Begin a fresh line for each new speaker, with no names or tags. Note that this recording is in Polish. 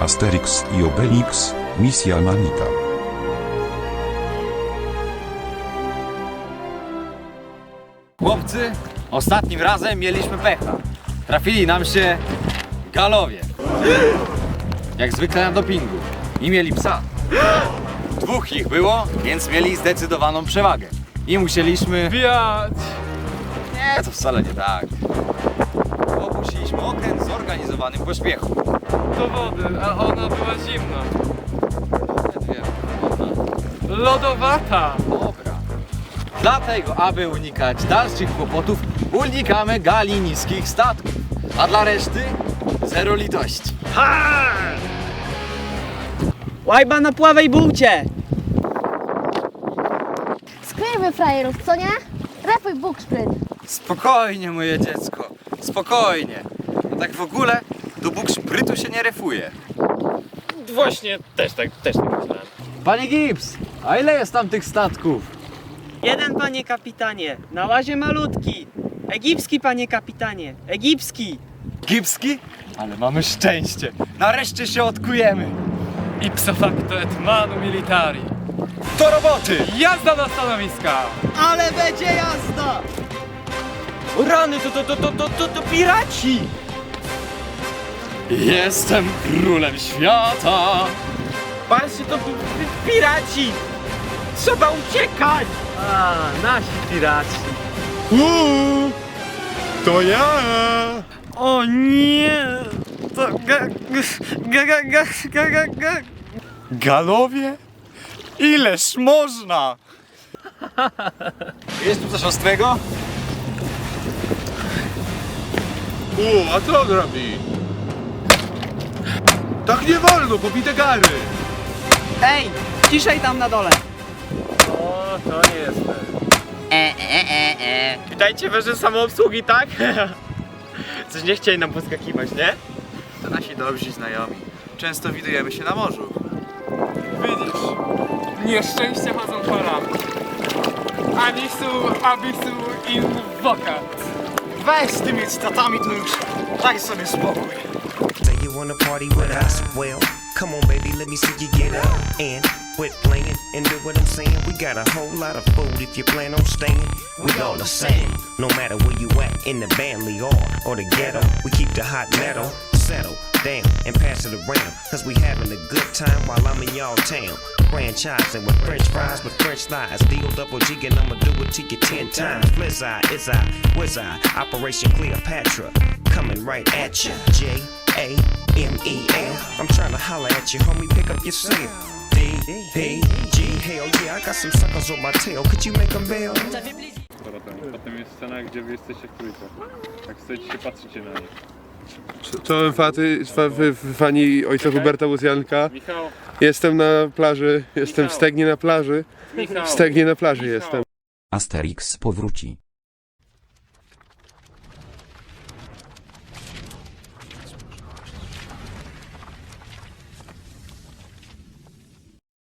Asterix i Obelix, misja Manita.
Chłopcy, ostatnim razem mieliśmy pecha. Trafili nam się galowie. Jak zwykle na dopingu. I mieli psa. Dwóch ich było, więc mieli zdecydowaną przewagę. I musieliśmy...
Wiać!
Nie, to wcale nie tak. Opuściliśmy okręt w zorganizowanym pośpiechu.
Do wody, a ona była zimna.
Nie wiem.
Lodowata!
Dobra. Dlatego, aby unikać dalszych kłopotów, unikamy gali niskich statków. A dla reszty zero litości.
Łajba na pławej bułcie!
Skryjmy frajerów, co nie? Refuj bukszpryd.
Spokojnie, moje dziecko. Spokojnie. A tak w ogóle do bukszprytu się nie refuje.
Właśnie, też tak myślałem.
Panie Gibbs, a ile jest tam tych statków?
Jeden, panie kapitanie, na łazie malutki. Egipski, panie kapitanie, egipski.
Gipski? Ale mamy szczęście. Nareszcie się odkujemy.
Ipso facto et manu militari.
Do roboty!
Jazda na stanowiska!
Ale będzie jazda! O rany, to piraci!
Jestem królem świata.
Patrzcie, to piraci! Trzeba uciekać! A, nasi piraci.
To ja!
O nie! To
Galowie? Ileż można? Jest tu coś ostrego?
A co on robi? Tak nie wolno, pobite gary!
Ej, ciszej tam na dole!
O, to nie jest Witajcie w wieży samoobsługi, tak? Coś nie chcieli nam poskakiwać, nie?
To nasi dobrzy znajomi. Często widujemy się na morzu.
Widzisz, nieszczęście chodzą parami. Anisu, abisu, invocat.
Weź z tymi statami to już daj sobie spokój.
Say you wanna party with us? Well, come on, baby, let me see you get up and quit playing and do what I'm saying. We got a whole lot of food if you plan on staying. We all the same, no matter where you at in the Bentley or the ghetto. We keep the hot metal settle down and pass it around, cause we having a good time while I'm in y'all town. Franchising with French fries with French fries. Deal double G and I'ma do it to you 10 times. Flizz-eye, is I, whiz I, Operation Cleopatra, coming right at ya. J-A-M-E-L. I'm trying to holler at you, homie, pick up your cell. D-P-G, hell yeah, I got some suckers on my tail. Could you make them bail?
Potem jest scena, gdzie wy jesteście w trójce. Tak stoicie się, patrzycie na nich.
Czołem fani ojca Huberta Łuzjanka.
Michał,
Jestem na plaży, jestem w Stegnie na plaży.
Michał.
W Stegnie na plaży jestem.
Asterix powróci.